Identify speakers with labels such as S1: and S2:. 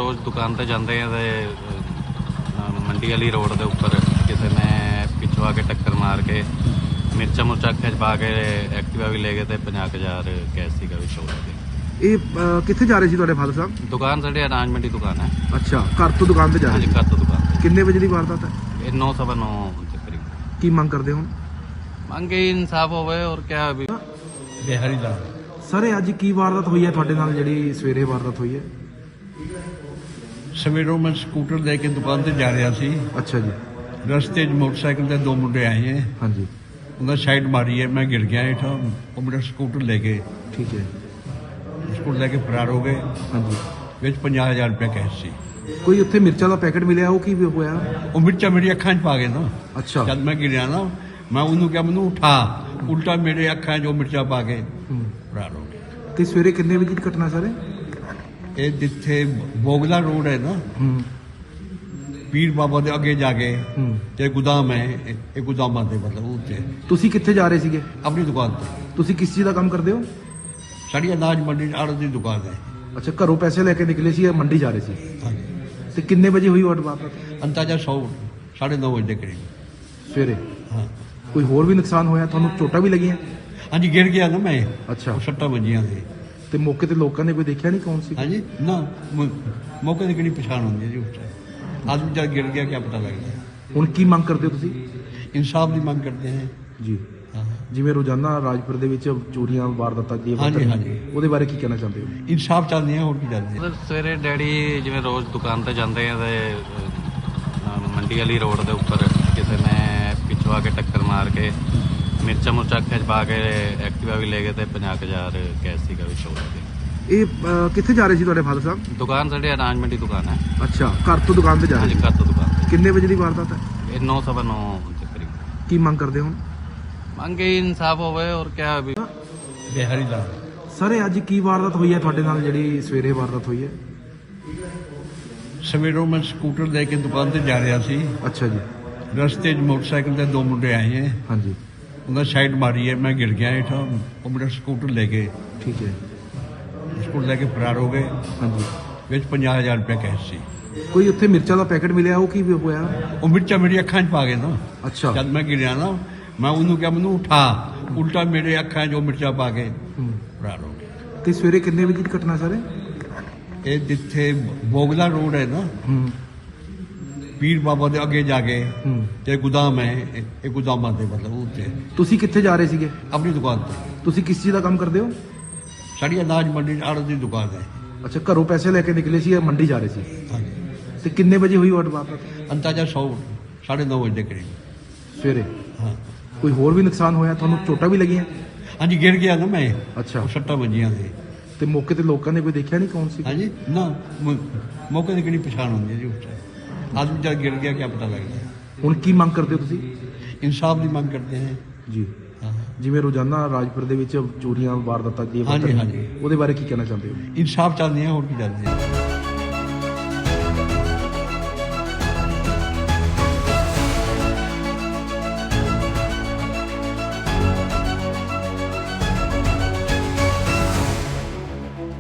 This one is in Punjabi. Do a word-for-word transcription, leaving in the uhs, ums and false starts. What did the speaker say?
S1: ਰੋਜ਼ ਦੁਕਾਨ ਤੇ ਜਾਂਦੇ ਆ ਤੇ ਅ, ਮੰਡੀ ਵਾਲੀ ਰੋਡ ਦੇ ਉੱਪਰ ਕਿਸੇ ਨੇ ਪਿੱਛੋਂ ਆ ਕੇ ਟੱਕਰ ਮਾਰ ਕੇ ਮਿਰਚਾਂ ਮੁਰਚਾਂ ਅੱਖਾਂ 'ਚ ਪਾ ਕੇ ਐਕਟਿਵਾ ਵੀ ਲੈ ਗਏ ਤੇ ਪੰਜਾਹ ਕੁ ਹਜ਼ਾਰ ਕੈਸ਼ ਸੀਗਾ ਵਿੱਚ ਹੋ ਗਿਆ।
S2: ਇਹ ਅਹ, ਕਿੱਥੇ ਜਾ ਰਹੇ ਸੀ ਤੁਹਾਡੇ ਫਾਦਰ ਸਾਹਿਬ?
S1: ਦੁਕਾਨ ਸਾਡੇ ਅਨਾਜਮੈਂਟ ਦੀ ਦੁਕਾਨ ਹੈ।
S2: ਅੱਛਾ, ਘਰ ਤੋਂ ਦੁਕਾਨ ਤੇ ਜਾ ਰਹੇ
S1: ਹਾਂਜੀ,
S2: ਸੀ।
S1: ਘਰ ਤੋਂ ਦੁਕਾਨ ਤੇ।
S2: ਕਿੰਨੇ ਵਜੇ ਦੀ ਵਾਰਦਾਤ ਹੈ?
S1: ਇਹ ਨੌ ਸਵਾ ਨੌ ਦੇ ਕਰੀਬ।
S2: ਕੀ ਮੰਗ ਕਰਦੇ ਹੋ?
S1: ਮੰਗੇ ਇਨਸਾਫ ਹੋਵੇ ਔਰ ਕਿਆ ਵੀ।
S3: ਬਿਹਾਰੀ ਲਾਲ
S2: ਸਰ, ਇਹ ਅੱਜ ਕੀ ਵਾਰਦਾਤ ਹੋਈ ਹੈ ਤੁਹਾਡੇ ਨਾਲ, ਜਿਹੜੀ ਸਵੇਰੇ ਵਾਰਦਾਤ ਹੋਈ ਹੈ?
S3: ਸਵੇਰੋਂ ਮੈਂ ਸਕੂਟਰ ਲੈ ਕੇ ਦੁਕਾਨ ਤੇ ਜਾ ਰਿਹਾ ਸੀ।
S2: ਅੱਛਾ ਜੀ।
S3: ਰਸਤੇ 'ਚ ਮੋਟਰਸਾਈਕਲ ਤੇ ਦੋ ਮੁੰਡੇ ਆਏ ਹੈ।
S2: ਹਾਂਜੀ,
S3: ਉਹਨਾਂ ਸਾਈਡ ਮਾਰੀ ਹੈ, ਮੈਂ ਗਿਰ ਗਿਆ ਹੇਠਾਂ। ਉਹ ਮੇਰਾ ਸਕੂਟਰ ਲੈ ਕੇ
S2: ਠੀਕ ਹੈ।
S3: ਸਕੂਟਰ ਲੈ ਕੇ ਫਰਾਰ ਹੋ ਗਏ।
S2: ਹਾਂਜੀ,
S3: ਵਿੱਚ ਪੰਜਾਹ ਹਜ਼ਾਰ ਰੁਪਏ ਕੈਸ਼ ਸੀ।
S2: ਕੋਈ ਉੱਥੇ ਮਿਰਚਾਂ ਦਾ ਪੈਕੇਟ ਮਿਲਿਆ, ਉਹ ਕੀ ਹੋਇਆ?
S3: ਉਹ ਮਿਰਚਾਂ ਮੇਰੀ ਅੱਖਾਂ 'ਚ ਪਾ ਗਏ ਨਾ।
S2: ਅੱਛਾ।
S3: ਜਦ ਮੈਂ ਗਿਰਿਆ ਨਾ, ਮੈਂ ਉਹਨੂੰ ਕਿਹਾ ਮੈਨੂੰ ਉਠਾ, ਉਲਟਾ ਮੇਰੇ ਅੱਖਾਂ 'ਚ ਉਹ ਮਿਰਚਾਂ ਪਾ ਕੇ
S2: ਹੂੰ।
S3: ਫਰਾਰ ਹੋ ਗਏ।
S2: ਤੇ ਸਵੇਰੇ ਕਿੰਨੇ ਵਜੇ ਦੀ ਘਟਨਾ ਸਰ?
S3: ਇਹ ਜਿੱਥੇ ਬੋਗਲਾ ਰੋਡ ਹੈ ਨਾ,
S2: ਹੂੰ
S3: ਪੀਰ ਬਾਬਾ ਦੇ ਅੱਗੇ ਜਾ ਕੇ
S2: ਹੂੰ।
S3: ਤੇ ਗੋਦਾਮ ਹੈ, ਇਹ ਇਹ ਗੋਦਾਮਾਂ ਦੇ ਮਤਲਬ ਉੱਤੇ
S2: ਤੁਸੀਂ ਕਿੱਥੇ ਜਾ ਰਹੇ ਸੀਗੇ?
S3: ਆਪਣੀ ਦੁਕਾਨ ਤੇ।
S2: ਤੁਸੀਂ ਕਿਸ ਚੀਜ਼ ਦਾ ਕੰਮ ਕਰਦੇ ਹੋ?
S3: ਸਾਡੀ ਅਨਾਜ ਮੰਡੀ ਆੜਤ ਦੀ ਦੁਕਾਨ ਹੈ।
S2: ਅੱਛਾ, ਘਰੋਂ ਪੈਸੇ ਲੈ ਕੇ ਨਿਕਲੇ ਸੀ ਜਾਂ ਮੰਡੀ ਜਾ ਰਹੇ ਸੀ?
S3: ਹਾਂਜੀ।
S2: ਤੇ ਕਿੰਨੇ ਵਜੇ ਹੋਈ ਵਾਰਦਾਤ?
S3: ਅੰਦਾਜ਼ਾ ਸੌ ਸਾਢੇ ਨੌ ਵਜੇ ਦੇ ਕਰੀਬ।
S2: ਸਵੇਰੇ।
S3: ਹਾਂ
S2: ਕੋਈ ਹੋਰ ਵੀ ਨੁਕਸਾਨ ਹੋਇਆ? ਤੁਹਾਨੂੰ ਚੋਟਾਂ ਵੀ ਲੱਗੀਆਂ?
S3: ਹਾਂਜੀ, ਗਿਰ ਗਿਆ ਨਾ ਮੈਂ।
S2: ਅੱਛਾ।
S3: ਉਹ ਸੱਟਾਂ ਵੱਜੀਆਂ ਸੀ।
S2: ਤੇ ਮੌਕੇ ਤੇ ਲੋਕਾਂ ਨੇ ਕੋਈ ਦੇਖਿਆ ਨਹੀਂ ਕੌਣ ਸੀ?
S3: ਹਾਂਜੀ ਨਾ, ਮ- ਮੌਕੇ ਦੀ ਕਿਹੜੀ ਪਛਾਣ ਹੁੰਦੀ ਹੈ ਜੀ ਉਸ time? ਆਦਮੀ ਜਦ ਗਿਰ ਗਿਆ ਕਿਆ ਪਤਾ ਲੱਗਦਾ।
S2: ਹੁਣ ਕੀ ਮੰਗ ਕਰਦੇ ਹੋ ਤੁਸੀਂ?
S3: ਇਨਸਾਫ ਦੀ ਮੰਗ ਕਰਦੇ ਹਾਂ।
S2: ਜੀ,
S3: ਹਾਂ।
S2: ਜਿਵੇਂ ਰੋਜ਼ਾਨਾ ਰਾਜਪੁਰ ਦੇ ਵਿੱਚ ਚੋਰੀਆਂ ਵਾਰਦਾਤਾਂ ਦੀ
S3: ਹਾਂਜੀ, ਹਾਂਜੀ।
S2: ਉਹਦੇ ਬਾਰੇ ਕੀ ਕਹਿਣਾ ਚਾਹੁੰਦੇ ਹੋ?
S3: ਇਨਸਾਫ ਚਾਹੁੰਦੇ ਹਾਂ, ਹੋਰ ਕੀ ਚਾਹੁੰਦੇ ਹਾਂ?
S1: ਮਤਲਬ ਸਵੇਰੇ ਡੈਡੀ ਜਿਵੇਂ ਰੋਜ਼ ਦੁਕਾਨ ਤੇ ਜਾਂਦੇ ਆ ਤੇ ਅ, ਮੰਡੀ ਵਾਲੀ ਰੋਡ ਦੇ ਉੱਪਰ ਕਿਸੇ ਨੇ ਪਿੱਛੋਂ ਆ ਕੇ ਟੱਕਰ ਮਾਰ ਕੇ ਮਿਰਚਾਂ ਮੁਰਚਾਂ ਅੱਖਾਂ 'ਚ ਪਾ ਕੇ ਐਕਟਿਵਾ ਵੀ ਲੈ ਗਏ ਤੇ ਪੰਜਾਹ ਕੁ ਹਜ਼ਾਰ ਕੈਸ਼ ਸੀਗਾ ਵਿੱਚ ਹੋ ਗਿਆ।
S2: ਇਹ ਅਹ, ਕਿੱਥੇ ਜਾ ਰਹੇ ਸੀ ਤੁਹਾਡੇ ਫਾਦਰ ਸਾਹਿਬ?
S1: ਦੁਕਾਨ ਸਾਡੇ ਅਨਾਜਮੈਂਟ ਦੀ ਦੁਕਾਨ ਹੈ।
S2: ਅੱਛਾ, ਘਰ ਤੋਂ ਦੁਕਾਨ ਤੇ ਜਾ ਰਹੇ
S1: ਹਾਂਜੀ,
S2: ਸੀ।
S1: ਘਰ ਤੋਂ ਦੁਕਾਨ ਤੇ।
S2: ਕਿੰਨੇ ਵਜੇ ਦੀ ਵਾਰਦਾਤ ਹੈ?
S1: ਇਹ ਨੌ ਸਵਾ ਨੌ ਦੇ ਕਰੀਬ।
S2: ਕੀ ਮੰਗ ਕਰਦੇ ਹੋ?
S1: ਮੰਗੇ ਇਨਸਾਫ ਹੋਵੇ ਔਰ ਕਿਆ ਵੀ।
S3: ਬਿਹਾਰੀ ਲਾਲ
S2: ਸਰ, ਇਹ ਅੱਜ ਕੀ ਵਾਰਦਾਤ ਹੋਈ ਹੈ ਤੁਹਾਡੇ ਨਾਲ, ਜਿਹੜੀ ਸਵੇਰੇ ਵਾਰਦਾਤ ਹੋਈ ਹੈ?
S3: ਸਵੇਰੋਂ ਮੈਂ ਸਕੂਟਰ ਲੈ ਕੇ ਦੁਕਾਨ ਤੇ ਜਾ ਰਿਹਾ ਸੀ।
S2: ਅੱਛਾ ਜੀ।
S3: ਰਸਤੇ 'ਚ ਮੋਟਰਸਾਈਕਲ ਤੇ ਦੋ ਮੁੰਡੇ ਆਏ ਹੈ।
S2: ਹਾਂਜੀ,
S3: ਉਹਨਾਂ ਸਾਈਡ ਮਾਰੀ ਹੈ, ਮੈਂ ਗਿਰ ਗਿਆ ਹੇਠਾਂ। ਉਹ ਮੇਰਾ ਸਕੂਟਰ ਲੈ ਕੇ
S2: ਠੀਕ ਹੈ।
S3: ਸਕੂਟਰ ਲੈ ਕੇ ਫਰਾਰ ਹੋ ਗਏ।
S2: ਹਾਂਜੀ,
S3: ਵਿੱਚ ਪੰਜਾਹ ਹਜ਼ਾਰ ਰੁਪਏ ਕੈਸ਼ ਸੀ।
S2: ਕੋਈ ਉੱਥੇ ਮਿਰਚਾਂ ਦਾ ਪੈਕੇਟ ਮਿਲਿਆ, ਉਹ ਕੀ ਹੋਇਆ?
S3: ਉਹ ਮਿਰਚਾਂ ਮੇਰੀ ਅੱਖਾਂ 'ਚ ਪਾ ਗਏ ਨਾ।
S2: ਅੱਛਾ।
S3: ਜਦ ਮੈਂ ਗਿਰਿਆ ਨਾ, ਮੈਂ ਉਹਨੂੰ ਕਿਹਾ ਮੈਨੂੰ ਉਠਾ, ਉਲਟਾ ਮੇਰੇ ਅੱਖਾਂ 'ਚ ਉਹ ਮਿਰਚਾਂ ਪਾ ਕੇ
S2: ਹੂੰ।
S3: ਫਰਾਰ ਹੋ ਗਏ।
S2: ਤੇ ਸਵੇਰੇ ਕਿੰਨੇ ਵਜੇ ਦੀ ਘਟਨਾ ਸਰ?
S3: ਇਹ ਜਿੱਥੇ ਬੋਗਲਾ ਰੋਡ ਹੈ ਨਾ,
S2: ਹੂੰ
S3: ਪੀਰ ਬਾਬਾ ਦੇ ਅੱਗੇ ਜਾ ਕੇ
S2: ਹੂੰ।
S3: ਤੇ ਗੋਦਾਮ ਹੈ, ਇਹ ਇਹ ਗੋਦਾਮਾਂ ਦੇ ਮਤਲਬ ਉੱਤੇ
S2: ਤੁਸੀਂ ਕਿੱਥੇ ਜਾ ਰਹੇ ਸੀਗੇ?
S3: ਆਪਣੀ ਦੁਕਾਨ ਤੇ।
S2: ਤੁਸੀਂ ਕਿਸ ਚੀਜ਼ ਦਾ ਕੰਮ ਕਰਦੇ ਹੋ?
S3: ਸਾਡੀ ਅਨਾਜ ਮੰਡੀ ਆੜਤ ਦੀ ਦੁਕਾਨ ਹੈ।
S2: ਅੱਛਾ, ਘਰੋਂ ਪੈਸੇ ਲੈ ਕੇ ਨਿਕਲੇ ਸੀ ਜਾਂ ਮੰਡੀ ਜਾ ਰਹੇ ਸੀ?
S3: ਹਾਂਜੀ।
S2: ਤੇ ਕਿੰਨੇ ਵਜੇ ਹੋਈ ਵਾਰਦਾਤ?
S3: ਅੰਦਾਜ਼ਾ ਸੌ ਸਾਢੇ ਨੌ ਵਜੇ ਦੇ ਕਰੀਬ।
S2: ਸਵੇਰੇ।
S3: ਹਾਂ
S2: ਕੋਈ ਹੋਰ ਵੀ ਨੁਕਸਾਨ ਹੋਇਆ? ਤੁਹਾਨੂੰ ਚੋਟਾਂ ਵੀ ਲੱਗੀਆਂ?
S3: ਹਾਂਜੀ, ਗਿਰ ਗਿਆ ਨਾ ਮੈਂ।
S2: ਅੱਛਾ।
S3: ਉਹ ਸੱਟਾਂ ਵੱਜੀਆਂ ਸੀ।
S2: ਤੇ ਮੌਕੇ ਤੇ ਲੋਕਾਂ ਨੇ ਕੋਈ ਦੇਖਿਆ ਨਹੀਂ ਕੌਣ ਸੀ?
S3: ਹਾਂਜੀ ਨਾ, ਮ- ਮੌਕੇ ਦੀ ਕਿਹੜੀ ਪਛਾਣ ਹੁੰਦੀ ਹੈ ਜੀ ਉਸ time? ਆਦਮੀ ਜਦ ਗਿਰ ਗਿਆ ਕਿਆ ਪਤਾ ਲੱਗਦਾ।
S2: ਹੁਣ ਕੀ ਮੰਗ ਕਰਦੇ ਹੋ ਤੁਸੀਂ?
S3: ਇਨਸਾਫ ਦੀ ਮੰਗ ਕਰਦੇ ਹਾਂ।
S2: ਜੀ,
S3: ਹਾਂ।
S2: ਜਿਵੇਂ ਰੋਜ਼ਾਨਾ ਰਾਜਪੁਰ ਦੇ ਵਿੱਚ ਚੋਰੀਆਂ ਵਾਰਦਾਤਾਂ ਦੀ
S3: ਹਾਂਜੀ, ਹਾਂਜੀ।
S2: ਉਹਦੇ ਬਾਰੇ ਕੀ ਕਹਿਣਾ ਚਾਹੁੰਦੇ ਹੋ?
S3: ਇਨਸਾਫ ਚਾਹੁੰਦੇ ਹਾਂ, ਹੋਰ ਕੀ ਚਾਹੁੰਦੇ ਹਾਂ?